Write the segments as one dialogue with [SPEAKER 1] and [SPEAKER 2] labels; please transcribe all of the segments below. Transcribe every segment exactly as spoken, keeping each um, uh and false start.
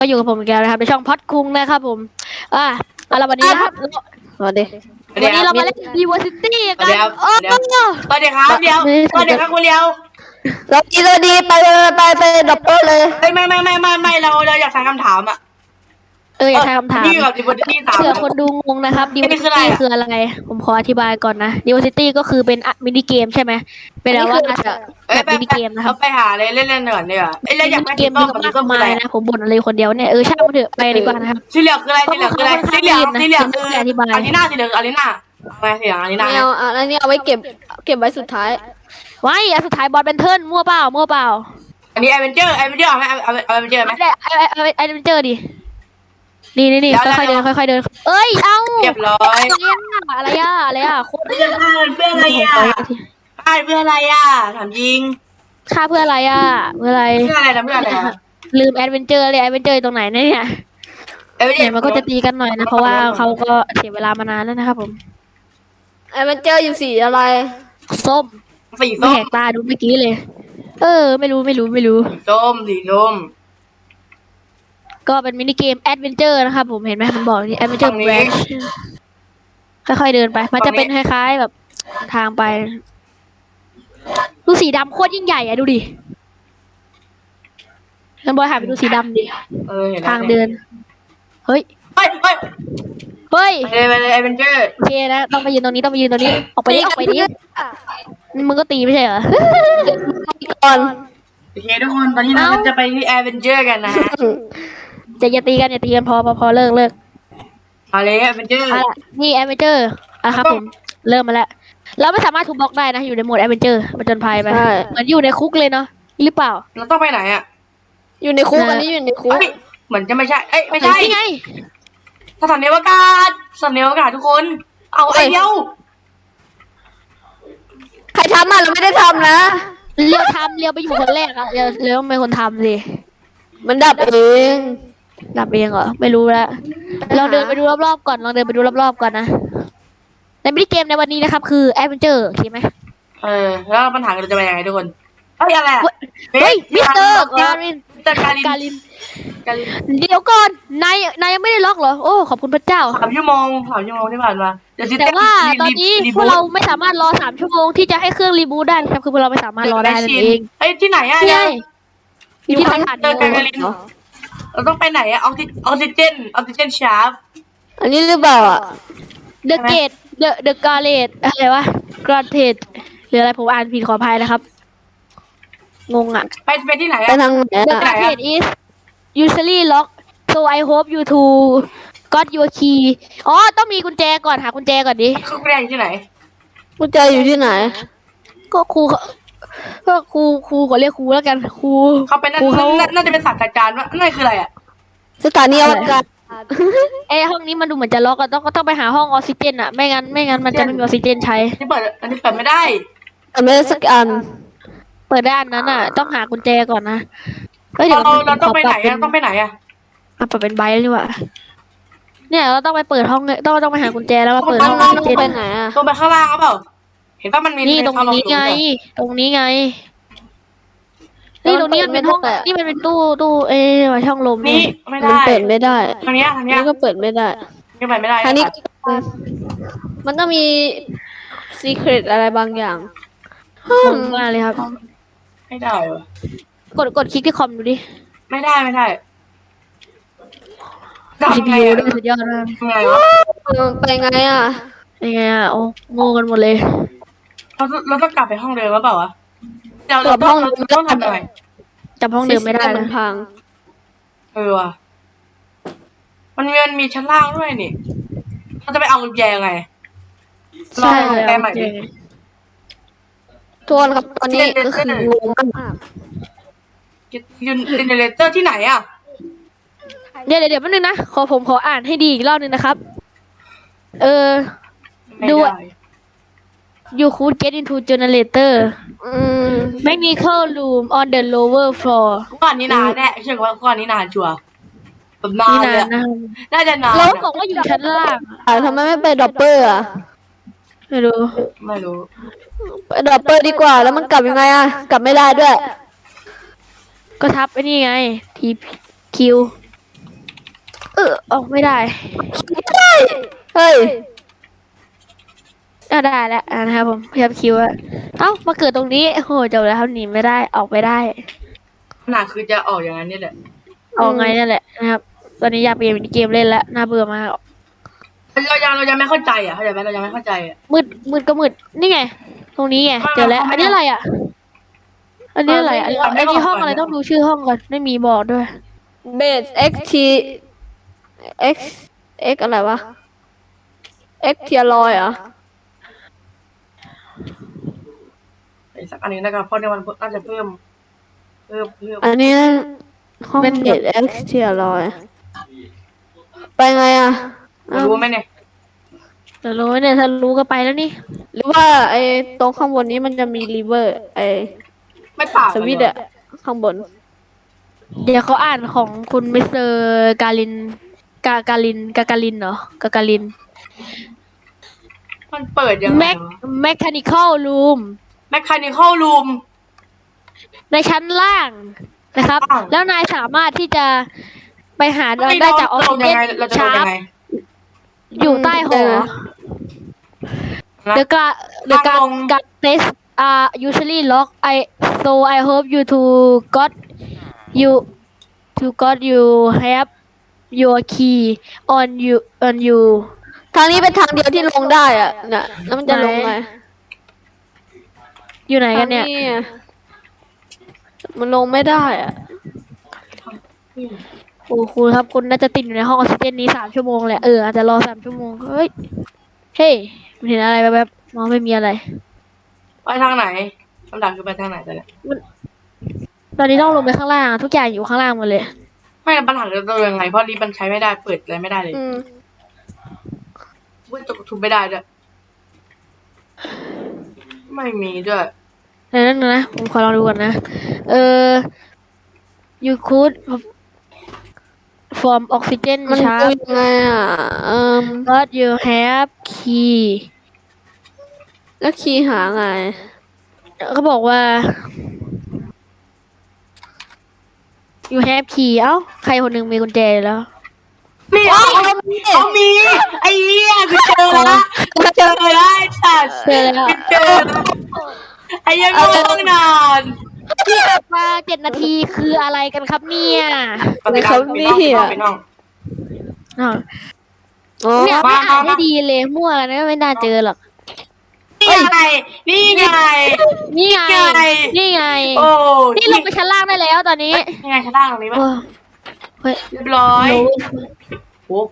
[SPEAKER 1] ก็อยู่กับผมอีกแล้วนะครับในช่องพอดคุงนะครับผมอ่าเอาละวันนี้นะครับ
[SPEAKER 2] สวัสดี
[SPEAKER 1] วันนี้เรามาเล่น Diversity กัน
[SPEAKER 3] โอ้เดี๋ยวสวัสดีครับเดี๋ยวสวัสดีครับคุณเลียว
[SPEAKER 2] สวัสดีสวัสดีไปไปไปดับเบิลเลย
[SPEAKER 3] ไม่ไม่ไม่ไม่ไม่ไม่เราเราอยากถามคำถามอ่ะ
[SPEAKER 1] เอออยากถามคำถาม
[SPEAKER 3] นี่กับดิบที่สาม
[SPEAKER 1] เผื่อคนดูงงนะครับ Diversity คืออะไรผมขออธิบายก่อนนะ Diversity ก็คือเป็นมินิเกมใช่ไหมเป็นแบบว่าแบบมินิเกมนะครับ
[SPEAKER 3] ไปหาเลยเล่นเล่นหน่อยเนี่ยไอ้เล่นอยากไป
[SPEAKER 1] เก
[SPEAKER 3] กิ
[SPEAKER 1] ม
[SPEAKER 3] น
[SPEAKER 1] มี
[SPEAKER 3] ต้ม
[SPEAKER 1] มาก
[SPEAKER 3] ต้ม
[SPEAKER 1] มายนะผมบ่นอะไรคนเดียวเนี่ยเออช่างมันเถอะไปดีกว่านะครับ
[SPEAKER 3] สีเหลืองคืออะไรสีเหลืองคืออะไรสีเหลืองสีเหลืองคืออารีนาสีเหลืองอารีนาอะไรสีเหลืองอารีนา
[SPEAKER 2] ไม่เอาอันนี้เอาไว้เก็บเก็บไว้สุดท้าย
[SPEAKER 1] ไว้อันสุดท้ายบอลเป็นเทิร์นมั่วเปล่ามั่วเปล่า
[SPEAKER 3] อันนี้แอเวนเจอร์แอเวนเจอร์เอาไหมเอาเอาแอเวนเจอร์ไหม
[SPEAKER 1] ไอ้ไอ้ไอ้ไอ้เป็นเจอดินี่นี่นี่ค่อยๆเดินค่อยๆเดินเอ้ยเอ้า
[SPEAKER 3] เรียบร้อย
[SPEAKER 1] อะไรอ่ะอะไรอ่ะโคตร
[SPEAKER 3] เพื่อนเพื่อนอะไรอ่ะเพื่อนอะไรอ่ะถามจริง
[SPEAKER 1] ค่าเพื่ออะไรอ่ะเพื่ออะไร
[SPEAKER 3] เพื่อนอะไรนะเพื่อนอะไรอ่ะ
[SPEAKER 1] ลืมแอดเวนเจอร์เลยแอดเวนเจอร์ตรงไหนเนี่ย
[SPEAKER 3] แอเวนเจอ
[SPEAKER 1] เนี่ย
[SPEAKER 3] ร์
[SPEAKER 1] มันก็จะตีกันหน่อยนะเพราะว่าเขาก็เสียเวลามานานแล้วนะครับผม
[SPEAKER 2] ไอ้มันเจออยู่สีอะไร
[SPEAKER 1] ส้ม
[SPEAKER 3] สี
[SPEAKER 1] ไม่
[SPEAKER 3] ส้ม
[SPEAKER 1] แหกตาดูเมื่อกี้เลย เออ ไม่รู้ไม่รู้ไม่รู้
[SPEAKER 3] สีส้มสีส้ม
[SPEAKER 1] ก็เป็นมินิเกมแอดเวนเจอร์นะครับผมเห็นไหมมันบอกนี่แอดเวนเจอร์
[SPEAKER 3] ฝั่งนี้
[SPEAKER 1] แบรนช์ค่อยๆเดินไป มันจะเป็นคล้ายๆแบบทางไปดูสีดำโคตรยิ่งใหญ่อะดูดิงั้นบอยหาไปดูสีดำดิ
[SPEAKER 3] เออเห็น
[SPEAKER 1] ทางเดิน เฮ้ย
[SPEAKER 3] เฮ้ยเฮ้ย
[SPEAKER 1] เฮ้ย
[SPEAKER 3] ไปเลยไปเลยแอเวนเจอร์
[SPEAKER 1] โอเคนะต้องไปยืนตรงนี้ต้องไปยืนตรงนี้ ออกไปดิออกไปดิมึงก็ตีไม่ใช่เหรอ
[SPEAKER 2] ก่อน
[SPEAKER 3] โอเคทุกคนตอนนี้เราจะไปที่แอเวนเจอร์กันนะฮะ
[SPEAKER 1] จะอย่าตีกันอย่าตีกันพอพอพอเลิกเลิก
[SPEAKER 3] เอาเลยแอเวนเจอร์
[SPEAKER 1] อ่ะนี่แอดเวนเจอร์อ่ะครับผมเริ่มมาแล้วเราไม่สามารถทุบบล็อกได้นะอยู่ในโหมดแอดเวนเจอร์มาจนภัยไปเหมือนอยู่ในคุกเลยเนาะหรือเปล่า
[SPEAKER 3] เราต้องไปไหนอ่ะ
[SPEAKER 2] อยู่ในคุกอันนี้อยู่ในคุก
[SPEAKER 3] เฮ้ยเหมือนจะไม่ใช่เอ้ยไม่ใช่
[SPEAKER 1] นี่ไง
[SPEAKER 3] สถานีอวกาศสถานีอวกาศทุกคน เอาไอเดียว
[SPEAKER 2] ใครทำอ่ะเราไม่ได้ทำนะ
[SPEAKER 1] เรียวทำเรียวไปอยู่คนแรกอะเรียวเรียวเป็นคนทำสิ
[SPEAKER 2] มันดับเอง
[SPEAKER 1] ดับเองเหรอไม่รู้แล้วลองเดินไปดูรอบๆก่อนลองเดินไปดูรอบๆก่อนนะในมินิเกมในวันนี้นะครับคือแอดเวนเจอร์โอเคไหม
[SPEAKER 3] เออแล้วปัญหาเราจะไปยังไงทุกคนเฮ้ยอะไรอะ
[SPEAKER 1] เฮ้ยมิสเตอร์การิน
[SPEAKER 3] มิสเตอร์การิน
[SPEAKER 1] การิน
[SPEAKER 3] การิน
[SPEAKER 1] เดี๋ยวก่อนนายนายยังไม่ได้ล็อกเหรอโอ้ขอบคุณพระเจ้า
[SPEAKER 3] สามชั่วโมงสามชั่วโมงที่ผ่านมาเดี๋ยวซิ
[SPEAKER 1] แต่ว่าตอนนี้พวกเราไม่สามารถรอสามชั่วโมงที่จะให้เครื่องรีบูตได้นะครับคือพวกเราไม่สามารถรอได้นั่นเอง
[SPEAKER 3] เฮ้ยที่ไหนอะ
[SPEAKER 1] นี่ไง
[SPEAKER 3] เนี่ย
[SPEAKER 1] อยู่ที่สถานี
[SPEAKER 3] เจอการินเราต้องไปไหนอะออกซิออกซิเจนออกซิเจนชาร์ป
[SPEAKER 2] อันนี้หรือเปล่าอ่ะ
[SPEAKER 1] เดอะเกตเดอะเดอะกาเลตอะไรวะกราเทดหรืออะไรผมอ่านผิดขออภัยนะครับ งงอ่ะ
[SPEAKER 3] ไปไปที่ไหน
[SPEAKER 2] ไป
[SPEAKER 3] อะ
[SPEAKER 2] ทางไหน
[SPEAKER 1] The
[SPEAKER 2] อ่ะ
[SPEAKER 1] gate is usually locked so I hope you two got your key อ๋อต้องมีกุญแจก่อนหากุญแจก่อนดิ
[SPEAKER 3] เขาเรียนอยู่ที่ไหน
[SPEAKER 2] กุญแจอยู่ที่ไหน
[SPEAKER 1] ก็ครูก็ครูครูขอเรียกครูแล้วกันครู
[SPEAKER 3] เขาเป็น
[SPEAKER 1] ครูเขา
[SPEAKER 3] น่าจะเป็นศาสตราจารย์ว่านั่นคืออะไรอะ
[SPEAKER 2] สถานีอวกาศ
[SPEAKER 1] เอ้ห้องนี้มันดูเหมือนจะล็อกอะต้องก็ต้องไปหาห้องออกซิเจนอะไม่งั้นไม่งั้นมันจะไม่มีออกซิเจนใช้
[SPEAKER 3] นี่เปิดอันนี้เปิดไม่ได้
[SPEAKER 2] แต่ไม่ได้สักอัน
[SPEAKER 1] เปิดด้านนั้นอะต้องหากุญแจก่อนนะเฮ้ยเดี๋ยว
[SPEAKER 3] เรา
[SPEAKER 1] มัน
[SPEAKER 3] เราต้องไปไหน
[SPEAKER 1] ข
[SPEAKER 3] อะต้องไปไหนอะ
[SPEAKER 1] อ่ะเปิดเป็นใบแล้วนี่หว่าเนี่ยเราต้องไปเปิดห้องต้องต้องไปหากุญแจแล้วมาเปิดห้องออกซิเจน
[SPEAKER 2] ไปไหนอ่ะ
[SPEAKER 3] ลงไปข้างล่างหรือเปล่าเห็นว่ามันมี
[SPEAKER 1] นี่ตรงนี้ไง ตรงนี้ไง นี่ตรงนี้มันเป็นห้อง นี่มันเป็นตู้ตู้เอ๊ะว่าช่องลม
[SPEAKER 3] นี่
[SPEAKER 1] นี่
[SPEAKER 3] ไม่
[SPEAKER 2] มัน
[SPEAKER 3] ได้
[SPEAKER 2] เปิดไม่ได้
[SPEAKER 3] ทางเนี้ยทาง
[SPEAKER 2] อัน
[SPEAKER 3] เนี้ย
[SPEAKER 2] นี้ก็เปิดไม่ได้
[SPEAKER 3] ยังไปไม่ได้
[SPEAKER 2] ทางนี้มันต้องมีซีเครตอะไรบางอย่าง
[SPEAKER 1] งงมากเลยครับ
[SPEAKER 3] ไม่ได้เหรอก
[SPEAKER 1] ดกดคลิกที่คอมดูดิ
[SPEAKER 3] ไม่ได้ไม่ได้
[SPEAKER 1] ซี
[SPEAKER 3] ทำ
[SPEAKER 1] พี
[SPEAKER 3] ไง
[SPEAKER 1] ยู
[SPEAKER 3] อะ
[SPEAKER 1] ด้วยสุดยอดมาก
[SPEAKER 3] ทำไงวะ
[SPEAKER 2] ไปไงอ่ะ
[SPEAKER 1] ยังไงอ่ะโอ้โง่กันหมดเลย
[SPEAKER 3] เราเราต้องกลับไปห้องเดิมหรือเปล่าวะเดี๋ยวเราต้องเราต้องทำอะไร
[SPEAKER 1] จำห้องเดิมไม่ได้
[SPEAKER 2] มั
[SPEAKER 1] นะ
[SPEAKER 2] นพัง
[SPEAKER 3] เออว่ะมันมีมันมีชั้นล่างด้วยนี่เราจะไปเอากุญแจไง
[SPEAKER 1] ใช่
[SPEAKER 3] ลอง
[SPEAKER 1] เลย
[SPEAKER 3] แก้ใหม่ดิ
[SPEAKER 2] ทวนครับตอนนี้ก็คืองงมาก
[SPEAKER 3] ยูนเจเนเรเตอร์ที่ไหนอ่ะ
[SPEAKER 1] เดี๋ยวเดี๋ยวเดี๋ยวแป๊บนึงนะ ขอผมขออ่านให้ดีอีกรอบนึงนะครับ เออ
[SPEAKER 3] ไม่
[SPEAKER 1] ดู
[SPEAKER 3] ได้
[SPEAKER 1] you could get into generator
[SPEAKER 2] อืม
[SPEAKER 1] mechanical room on the lower floor
[SPEAKER 3] ก่อนนี้นานแน่เชื่อว่าก่อนนี้นานชัวร์แบบนา
[SPEAKER 1] นี่
[SPEAKER 3] นเล
[SPEAKER 1] นาย น
[SPEAKER 3] อะ
[SPEAKER 1] นะ
[SPEAKER 3] น่าจะนาน
[SPEAKER 1] เรา
[SPEAKER 3] อะ
[SPEAKER 1] บอกว่าอยู่ชั้นล่างอะ
[SPEAKER 2] อ่าทำไมไม่ไปดรอปเปอร์อ่ะ
[SPEAKER 1] ไม่รู้
[SPEAKER 3] ไม่รู้
[SPEAKER 2] ไปดรอปเปอร์ดีกว่า แล้วมันกลับยังไงอ่ะ กลับไม่ได้ด้วย
[SPEAKER 1] ก็ทับไอ้นี่ไง ทีคิวออกไม่ได้
[SPEAKER 2] เฮ้ย
[SPEAKER 1] อ่ะได้แล้วอ่ะนะครับผมพยายามคิวอะเอ้ามาเกิดตรงนี้โอ้โหจบแล้วครับหนีไม่ได้ออกไม่ได้
[SPEAKER 3] ขนาดคือจะออกอย่างนั้นนี่แหละ
[SPEAKER 1] ออกไงนั่นแหละนะครับ ตอนนี้อยากเปลี่ยนเกมเล่นแล้วน่าเบื่อมาก
[SPEAKER 3] เรายังเรายังไม่เข้าใจอ่ะเข้าใจไหมเรายังไม่เข้าใจอ่ะ
[SPEAKER 1] มืดมืดก็มืดนี่ไง ตรงนี้ไงเจอแล้ว อันนี้อะไรอ่ะ อันนี้อะไรอ่ะอันนี้ห้องอะไรต้องดูชื่อห้องก่อนไม่มีบอกด้วย
[SPEAKER 2] เบส x t x x อะไรวะ x เทียรอยเหรอ
[SPEAKER 3] อีกสักอันหนึงนะครับเพราะในวันพุธน่าจะเพิ่มเพิ่มเพิ่ม
[SPEAKER 2] อันนี้ห้องเบส x เทียรอยไปไงอ่ะ
[SPEAKER 3] รู้ไหมเนี่ย
[SPEAKER 1] แต่รู้ไหมเนี่ยถ้ารู้ก็ไปแล้วนี่
[SPEAKER 2] หรือว่าไอ้ตรงข้างบนนี้มันจะมีรีเวอร์ไอ้
[SPEAKER 3] ไม่ต่าง
[SPEAKER 2] สวิตช์อะข้างบน
[SPEAKER 1] เดี๋ยวเขาอ่านของคุณมิสเตอร์กาลิน กา กาลิน กากาลินเหรอกากาลิน
[SPEAKER 3] มันเปิดยังไง
[SPEAKER 1] แมค
[SPEAKER 3] วะ
[SPEAKER 1] แมคคานิคอลรูม
[SPEAKER 3] แมคคานิคอลรูม
[SPEAKER 1] ในชั้นล่างนะครับ
[SPEAKER 3] ล่าง
[SPEAKER 1] แล้วนายสามารถที่จะไปหา
[SPEAKER 3] เรา
[SPEAKER 1] ได้จากออกซิเจ
[SPEAKER 3] ยัง
[SPEAKER 1] น
[SPEAKER 3] ไงเราจะ
[SPEAKER 1] ชา
[SPEAKER 3] ดูยั
[SPEAKER 1] ร์
[SPEAKER 3] ง
[SPEAKER 1] ป
[SPEAKER 3] ไง
[SPEAKER 1] อยู่ใต้หอ
[SPEAKER 3] นะ
[SPEAKER 1] The guard the
[SPEAKER 3] ทาง
[SPEAKER 1] guard
[SPEAKER 3] ลง
[SPEAKER 1] guard desk are usually locked. I so I hope you to got you to got you have your key on you on you
[SPEAKER 2] ทางนี้เป็นทางเดียวที่ลงได้อ่ะน่ะแล้วมันจะลงไง
[SPEAKER 1] อยู่ไหนกันเนี่ย
[SPEAKER 2] ทางอะมันลงไม่ได้อ่ะ
[SPEAKER 1] โอ้คุณครับคุณน่าจะติดอยู่ในห้องออกซิเจนนี้สามชั่วโมงแหละเอออาจจะรอสามชั่วโมงเฮ้ยเฮ้ยมันเห็นอะไรแบบๆมองไม่มีอะไร
[SPEAKER 3] ไปทางไหนคำถามคือไปทางไหนแต่เนี่ย
[SPEAKER 1] ตอนนี้ต้องลงไปข้างล่างทุกอย่างอยู่ข้างล่างหมดเลย
[SPEAKER 3] ไม่ปัญหาเราจะยังไงเพราะลิฟต์มันใช้ไม่ได้เปิดอะไรไม่ได้เลย
[SPEAKER 2] อืม
[SPEAKER 3] เว้ยตกทุบไม่ได้ด้วยไม่มีด้วย
[SPEAKER 1] ในนั้นนะผมขอลองดูก่อนนะ เออ you could from oxygen
[SPEAKER 2] มันดู
[SPEAKER 1] sharp
[SPEAKER 2] ยังไงอ่ะเอ่ม
[SPEAKER 1] but you have key
[SPEAKER 2] แล้วคีย์หาไง
[SPEAKER 1] เขาบอกว่า you have key เอ้า ใครคนหนึ่งมีกุญแจอยู่แล้ว
[SPEAKER 3] นี่เอาเอามีไอ้เหี้ยกูเจอละกูเจอละไอ้สัตว์
[SPEAKER 1] เจอแล้ว
[SPEAKER 3] กูเจอละไอ้ยังงงนาน
[SPEAKER 1] ที่มาเจ็ดนาทีคืออะไรกันครับเนี่ย
[SPEAKER 2] อะไรเขาเนี่ย
[SPEAKER 3] ไปน้อง
[SPEAKER 1] อ้าว
[SPEAKER 2] อ๋อ
[SPEAKER 1] เนี่ยไม่อ่านให้ดีเลยมั่วนะไม่น่าเจอหรอก
[SPEAKER 3] นี่ไงนี่ไง
[SPEAKER 1] นี่ไง
[SPEAKER 3] ไง
[SPEAKER 1] นี่ไง
[SPEAKER 3] โอ้
[SPEAKER 1] นี่ลงไปชั้นล่างได้แล้วตอนนี้
[SPEAKER 3] นี่ไงชั้นล่างตรงนี้ป่ะ
[SPEAKER 1] โอ้เฮ้ย
[SPEAKER 3] เรียบร้อย
[SPEAKER 1] รู้
[SPEAKER 3] โอ้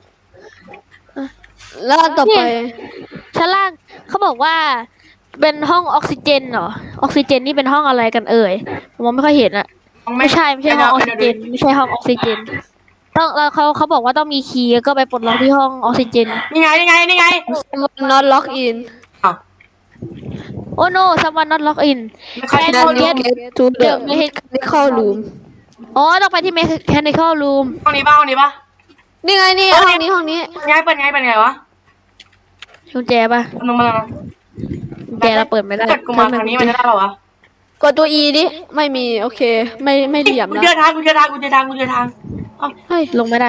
[SPEAKER 2] แล้วอันต่อไป
[SPEAKER 1] ชั้นล่างเขาบอกว่า เป็นห้องออกซิเจนเหรอ ออกซิเจนนี่เป็นห้องอะไรกันเอ่ย ผมมองไม่ค่อยเห็นอะไม่ใช่ไม่ใช่ห้องออกซิเจน ไม่ใช่ห้องออกซิเจน ต้องแล้วเขาเขาบอกว่าต้องมีคีย์แล้วก็ไปปลดล็อกที่ห้องออกซิเจน
[SPEAKER 3] นี่ไงนี่ไงนี่ไง
[SPEAKER 2] not lock in
[SPEAKER 3] อ้าว
[SPEAKER 1] โอ้ no someone not lock in
[SPEAKER 3] ไม่ใช่
[SPEAKER 1] Can
[SPEAKER 3] ห้อง
[SPEAKER 1] you
[SPEAKER 3] นี้
[SPEAKER 1] get
[SPEAKER 2] to the
[SPEAKER 1] the
[SPEAKER 2] mechanical room
[SPEAKER 1] อ๋อต้องไปที่ mechanical room
[SPEAKER 3] ห้องนี้ป่ะห้องนี้ป่ะ
[SPEAKER 2] นี่ไงนี่ห้องนี้ห้องนี้
[SPEAKER 3] เปิดไงเปิดไงเปิดไงวะ
[SPEAKER 1] กุญแจป่ะ
[SPEAKER 3] ลงมาแล้ว
[SPEAKER 1] กุญแจเราเปิดไม่ได้
[SPEAKER 3] เปิดกูมาทางนี้มันจะได้หรอวะ
[SPEAKER 2] กดตัว E ดิ ไม่มี โอเค ไม่ไม่เหลี่ยม
[SPEAKER 3] กู
[SPEAKER 2] นะ
[SPEAKER 3] เจอทางกูเจอทางกูเจอทางกูเจอทางเอ้า
[SPEAKER 2] เฮ้ย
[SPEAKER 1] ลงไม่ได้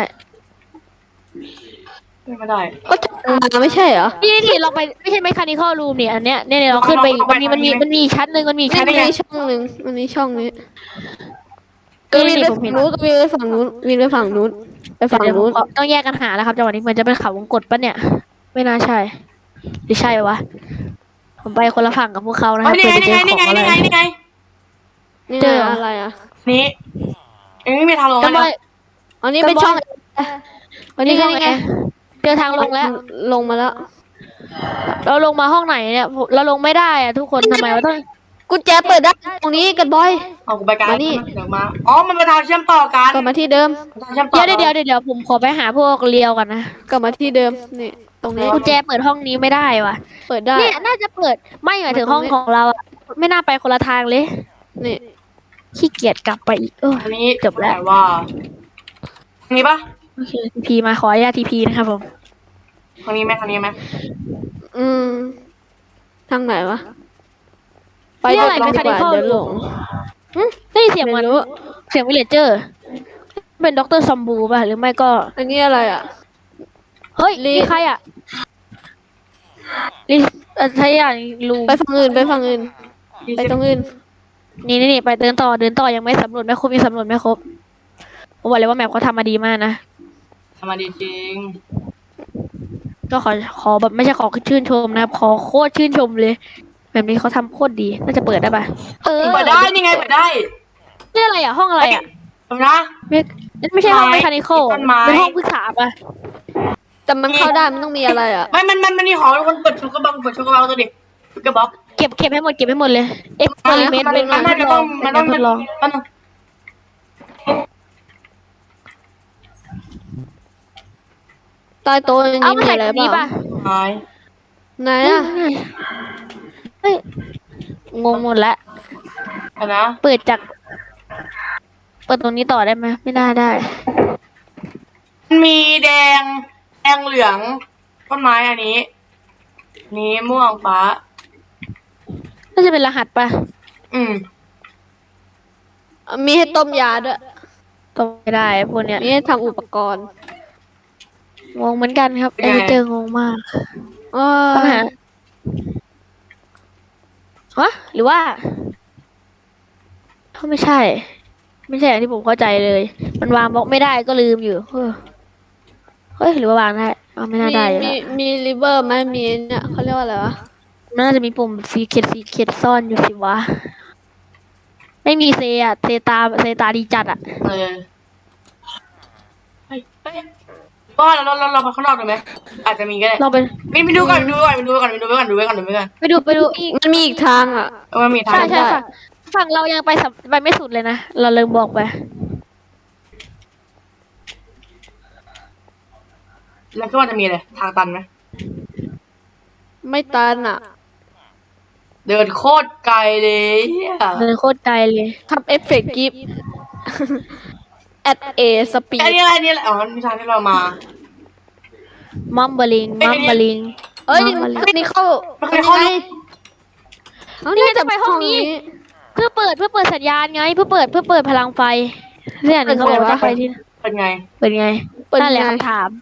[SPEAKER 3] ไม่ได้
[SPEAKER 2] ก็จะมาไม่ใช่เหรอ
[SPEAKER 1] นี่นี่เราไปไม่ใช่ mechanical room เนี่ยอันเนี้ยเนี่ยเนี่ยเราขึ้นไปอีกมันมีมันมีมันมีชั้นหนึ่งมันมี
[SPEAKER 2] นี่
[SPEAKER 1] ชั้นห
[SPEAKER 2] มัน
[SPEAKER 1] นึ่ง
[SPEAKER 2] มีช่องหนึ่งมันมีช่องนี้ก็
[SPEAKER 1] นี่
[SPEAKER 2] วิ่ง
[SPEAKER 1] นี่
[SPEAKER 2] ไป
[SPEAKER 1] ผม
[SPEAKER 2] ฝั่
[SPEAKER 1] เห็
[SPEAKER 2] ง
[SPEAKER 1] น
[SPEAKER 2] นู้นก็วิ่งไปฝั่งนู้นวิ่งไปฝั่งนู้นไปฝั่ง
[SPEAKER 1] เดี๋ยวผม
[SPEAKER 2] นู้น
[SPEAKER 1] ขอต้องแยกกันหาแล้วครับจังหวะนี้เหมือนจะเป็นเขาวงกตปะเนี่ย ไม่น่าใช่หรือใช่วะผมไปคนละฝั่งกับพวกเขานะค
[SPEAKER 3] เฮ้
[SPEAKER 1] รับ
[SPEAKER 3] ยนี่
[SPEAKER 1] เพื่อ
[SPEAKER 3] ไง
[SPEAKER 1] จะเจ
[SPEAKER 3] นี่
[SPEAKER 1] อ
[SPEAKER 3] ไง
[SPEAKER 1] ของ
[SPEAKER 3] นี่ไง
[SPEAKER 1] อะไร
[SPEAKER 3] นี่ไงนี่ไง
[SPEAKER 2] นี่
[SPEAKER 1] เจอ
[SPEAKER 2] ไงอะไรอ่ะ
[SPEAKER 3] นี่เอ็งไม่มีทางลง
[SPEAKER 1] ก็
[SPEAKER 3] แล้ว
[SPEAKER 1] บอ
[SPEAKER 3] นะ
[SPEAKER 1] ย
[SPEAKER 2] อันนี้เป็นช่อง
[SPEAKER 1] วันนี้
[SPEAKER 2] นี่
[SPEAKER 1] ช่อง
[SPEAKER 2] ไง
[SPEAKER 1] ไงเจอทางลงแล้ว
[SPEAKER 2] ลงมาแล้ว
[SPEAKER 1] เราลงมาห้องไหนเนี่ยเราลงไม่ได้อะทุกคนทำไมวะต้อง
[SPEAKER 2] กุญแจเปิดได้ตรงนี้กันบอย
[SPEAKER 3] เอากูไปกลาง
[SPEAKER 2] มานี่
[SPEAKER 3] เดี๋ยวมาอ๋อมันเป็นทางเชื่อมต่อกัน
[SPEAKER 2] กลับมาที่เดิม
[SPEAKER 3] ทางเชื่อมต่อ
[SPEAKER 1] เดี๋ยวเดี๋ยวเดี๋ยวเดี๋ยวผมขอไปหาพวกเลียวก่อนนะ
[SPEAKER 2] กลับมาที่เดิมนี่ตรงนี้
[SPEAKER 1] กุญแจเปิดห้องนี้ไม่ได้ว่ะ
[SPEAKER 2] เปิดได้
[SPEAKER 1] เนี่ยน่าจะเปิดไม่หมายถึงห้องของเราอะไม่น่าไปคนละทางเลย
[SPEAKER 2] นี่
[SPEAKER 1] ขี้เกียจกลับไปอีกเออ
[SPEAKER 3] อันนี้
[SPEAKER 1] จบแล้ว
[SPEAKER 3] ต่ว่าทางนี้ปะ
[SPEAKER 1] โอเคทีพีมาขออนุญาตทีพีนะครับผม
[SPEAKER 3] ทางนี้ไหมทางนี้ไหม
[SPEAKER 2] อืมทางไหนวะไป
[SPEAKER 1] นี่อะไร
[SPEAKER 2] ลง
[SPEAKER 1] เป็น
[SPEAKER 2] ดีกว่า
[SPEAKER 1] canical
[SPEAKER 2] เดี๋ยวหลง
[SPEAKER 1] อืมได้ยินเสียงเหมื
[SPEAKER 2] ไม่
[SPEAKER 1] อน
[SPEAKER 2] รู้
[SPEAKER 1] เสียงวิลเลจเจอร์เป็นด็อกเตอร์ซอมบูป่ะหรือไม่ก็
[SPEAKER 2] อันนี้อะไรอ่ะ
[SPEAKER 1] เฮ้ย
[SPEAKER 2] ลิ
[SPEAKER 1] นี่ใครอ่ะลิเอ่อใช่อย่างลุง
[SPEAKER 2] ไปฝั่งอื่นไปฝั่งอื่น ไปตรงอื่น
[SPEAKER 1] นี่นี่นี่ไปเดินต่อเดินต่อยังไม่สำรวจไม่ครบยังสำรวจไม่ครบผมบอกเลยว่าแมปเขาทำมาดีมากนะ
[SPEAKER 3] ทำมาดีจริง
[SPEAKER 1] ก็ขอขอแบบไม่ใช่ขอชื่นชมนะครับขอโคตรชื่นชมเลย แบบนี้เขาทำโคตรดีน่าจะเปิดได้ปะเออ
[SPEAKER 3] เปิดได้นี่ไงเปิดได้
[SPEAKER 1] นี่อะไรอ่ะห้องอะไรอ่ะ
[SPEAKER 3] ทำนะ
[SPEAKER 1] ไม่ไม่ใช่ห้อง
[SPEAKER 3] ไม้
[SPEAKER 1] เมคานิคอล
[SPEAKER 3] ต้นไม้
[SPEAKER 1] เป็นห้องปรึกษาปะ
[SPEAKER 2] แต่มันเข้าได้มันต้องมีอะไรอ่ะ
[SPEAKER 3] ไม่มันมันมันนี่ของคนเปิดชูกระบังเปิดชูกระบังตัวดิชูกระบอก
[SPEAKER 1] เก็บเก็บให้หมดเก็บให้หมดเลยเอ็กซ์เพร์เมนต์
[SPEAKER 3] มัน
[SPEAKER 1] เป็น
[SPEAKER 3] มัน
[SPEAKER 1] งาน
[SPEAKER 3] น่า
[SPEAKER 1] ท
[SPEAKER 3] จะ
[SPEAKER 1] ดล
[SPEAKER 3] ต้
[SPEAKER 1] อ
[SPEAKER 3] อง
[SPEAKER 1] งเป็
[SPEAKER 3] มัน
[SPEAKER 1] น
[SPEAKER 3] ต้
[SPEAKER 1] งา
[SPEAKER 3] อง
[SPEAKER 1] นทดลอง
[SPEAKER 3] มันต้อง
[SPEAKER 2] ใต้โต๊ะนี้
[SPEAKER 1] เอามา
[SPEAKER 2] มี
[SPEAKER 1] ใส่
[SPEAKER 2] อะไร
[SPEAKER 1] ตรง
[SPEAKER 2] เป
[SPEAKER 1] นี้
[SPEAKER 2] ล่า
[SPEAKER 1] ป่ะ
[SPEAKER 3] หาย
[SPEAKER 2] ไหนอ่ะ
[SPEAKER 1] เฮ้ยงงหมดละ
[SPEAKER 3] อะนะ
[SPEAKER 1] เปิดจาก เปิดตรงนี้ต่อได้ไหมไม่ได้ได้
[SPEAKER 3] มันมีแดงแดงเหลืองต้นไม้อันนี้ นี้ม่วงฟ้า
[SPEAKER 1] น่าจะเป็นรหัสป่ะ
[SPEAKER 3] อืม
[SPEAKER 2] มีให้ต้มยาด้วย
[SPEAKER 1] ต้องไม่ได้พวกเนี้ย
[SPEAKER 2] มีให้ทำอุปกรณ์
[SPEAKER 1] งงเหมือนกันครับ
[SPEAKER 3] เป็น
[SPEAKER 1] เอ
[SPEAKER 3] ไง
[SPEAKER 1] เจองงมาก
[SPEAKER 2] เอ
[SPEAKER 1] ปัญ
[SPEAKER 2] อ
[SPEAKER 1] หาฮะหรือว่าเขาไม่ใช่ ไม่ใช่อย่างที่ผมเข้าใจเลย มันวางบล็อกไม่ได้ก็ลืมอยู่เออเฮ้ยหรือว่าวางได้เอาไม่น่า
[SPEAKER 2] มี
[SPEAKER 1] ได้อยู่
[SPEAKER 2] มี
[SPEAKER 1] แล้ว
[SPEAKER 2] มีริเวอร์ไหมมีเนี่ยเขาเรียกว่าอะไรวะ
[SPEAKER 1] มันน่าจะมีปุ่มซีเคดซีเคดซ่อนอยู่สิวะ ไม่มีเซอะเซตาเซตาดีจัดอะ
[SPEAKER 3] เออเฮ้ยเฮ้ยก็เราเราเราเราไปข้างนอกดูไหมอาจจะมีก็ได้
[SPEAKER 1] ลองไป
[SPEAKER 3] ไปไปดูก่อนไปดูก่อนไปดูก่อนไปดูก่อนดูก่อนดูก่อน
[SPEAKER 1] ไปดูไปดู
[SPEAKER 2] มันมีอีกทางอ่ะ
[SPEAKER 3] เออมันมีทา
[SPEAKER 1] ใช่
[SPEAKER 3] ง
[SPEAKER 1] ใช่ฝั่งฝั่งเรายังไปสับไปไม่สุดเลยนะ เราลืมบอกไป
[SPEAKER 3] แล้วก็ว่าจะมีอะไรทางตันไหม
[SPEAKER 2] ไม่ตันอ่ะ
[SPEAKER 3] เดินโคตรไกลเลยเหี้ย
[SPEAKER 1] เดินโคตรไกลเลย
[SPEAKER 2] ทำเอฟเฟกต์กิฟ at a
[SPEAKER 3] อัน
[SPEAKER 2] speed
[SPEAKER 3] นี้อะไรอันนี้อะไรอ๋อมีทางที่เรามา
[SPEAKER 1] มัมเบลิง
[SPEAKER 3] เอ้ย
[SPEAKER 1] มัมเบลิง
[SPEAKER 2] เอ้ย
[SPEAKER 1] มัมเบลิง
[SPEAKER 2] อันนี้เข้า
[SPEAKER 3] มันเคยเข้า
[SPEAKER 2] อัน
[SPEAKER 3] นี่
[SPEAKER 2] นี้เอา
[SPEAKER 1] นี่
[SPEAKER 2] นี่
[SPEAKER 1] จะไปห้องนี้ เพื่อเปิดเพื่อเปิดสัญญาณไง เพื่อเปิดเพื่อเปิดพลังไฟเนี่ยหนึ่งเขาบอกว่าต้องไปที่
[SPEAKER 3] เป็นไง
[SPEAKER 1] เปิดไง
[SPEAKER 2] เปิด
[SPEAKER 1] นั่นแหละ
[SPEAKER 2] ไง
[SPEAKER 1] คำถาม